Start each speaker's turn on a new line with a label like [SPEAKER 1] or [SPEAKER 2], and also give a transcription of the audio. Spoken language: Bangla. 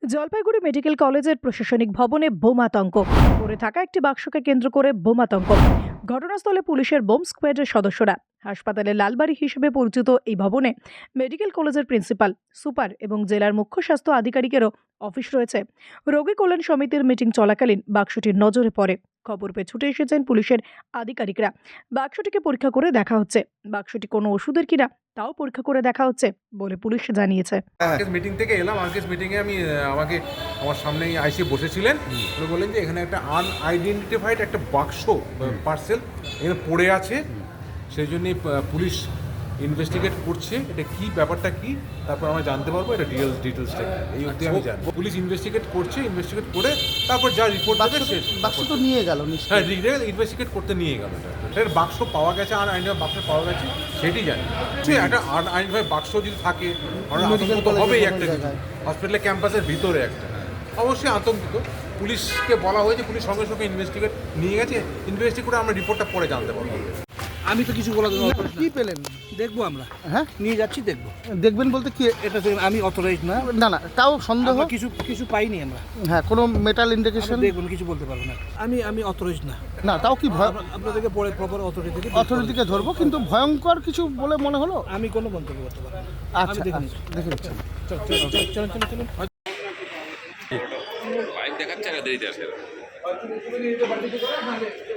[SPEAKER 1] জলপাইগুড়ি মেডিকেল কলেজের প্রশাসনিক ভবনে বোমাতঙ্ক। পড়ে থাকা একটি বাক্সকে কেন্দ্র করে বোমাতঙ্ক। ঘটনাস্থলে পুলিশের বোম স্কোয়াডের সদস্যরা। হাসপাতালে লালবাড়ি হিসেবে পরিচিত এই ভবনে মেডিকেল কলেজের প্রিন্সিপাল, সুপার এবং জেলার মুখ্য স্বাস্থ্য আধিকারিকেরও অফিস রয়েছে। রোগী কল্যাণ সমিতির মিটিং চলাকালীন বাক্সটির নজরে পড়ে। খবর পেয়ে ছুটে এসেছেন পুলিশের আধিকারিকরা। বাক্সটিকে পরীক্ষা করে দেখা হচ্ছে। বাক্সটি কোনো ওষুধের কিনা তাও পরীক্ষা করে দেখা হচ্ছে বলে পুলিশ জানিয়েছে।
[SPEAKER 2] মিটিং থেকে এলাম। আজকের মিটিংয়ে আমার সামনেই আইসি বসেছিলেন। উনি বললেন যে এখানে একটা আনআইডেন্টিফাইড একটা বাক্স পার্সেল এখানে পড়ে আছে, সেই জন্যই পুলিশ ইনভেস্টিগেট করছে। এটা কি ব্যাপারটা কি, তারপর আমরা জানতে পারবো এটা ডিটেলসটা এই অবধি আমি জানি। পুলিশ ইনভেস্টিগেট করছে, ইনভেস্টিগেট করে তারপর যা রিপোর্ট দেবে
[SPEAKER 3] বাক্স তো নিয়ে গেল।
[SPEAKER 2] হ্যাঁ, ইনভেস্টিগেট করতে নিয়ে গেল। এটার বাক্স পাওয়া গেছে, আনআইডেন্টিফাইড বাক্স পাওয়া গেছে, সেটি জানি। একটা আনআইডেন্টিফাইড বাক্স যদি থাকে আতঙ্ক তো হবেই। একটা হসপিটালের ক্যাম্পাসের ভিতরে একটা অবশ্যই আতঙ্কিত। পুলিশকে বলা হয়েছে, পুলিশ সঙ্গে সঙ্গে ইনভেস্টিগেট নিয়ে গেছে। ইনভেস্টিগেট করে আমরা রিপোর্টটা পরে জানতে পারবো।
[SPEAKER 4] আমি তো কিছু বলা দেবো।
[SPEAKER 3] কি পেলেন?
[SPEAKER 4] দেখবো আমরা,
[SPEAKER 3] হ্যাঁ
[SPEAKER 4] নিয়ে যাচ্ছি, দেখবো।
[SPEAKER 3] দেখবেন বলতে কি?
[SPEAKER 4] এটা তো আমি অথরাইজ না।
[SPEAKER 3] না না, তাও সন্দেহ।
[SPEAKER 4] আমরা কিছু পাইনি আমরা।
[SPEAKER 3] হ্যাঁ, কোনো মেটাল ইন্ডিকেশন
[SPEAKER 4] দেখুন, কিছু বলতে পারবো না। আমি অথরাইজ না।
[SPEAKER 3] না, তাও কি ভয়?
[SPEAKER 4] আপনাদেরকে পরে প্রপার
[SPEAKER 3] অথরিটিকে ধরবো, কিন্তু ভয়ঙ্কর কিছু বলে মনে হলো।
[SPEAKER 4] আমি কোনো মন্তব্য করতে পারবো না।
[SPEAKER 3] আচ্ছা, দেখে নিচ্ছি।
[SPEAKER 4] চলুন।
[SPEAKER 5] পাইপ দেখাচ্ছে না, দেরিতে আসে।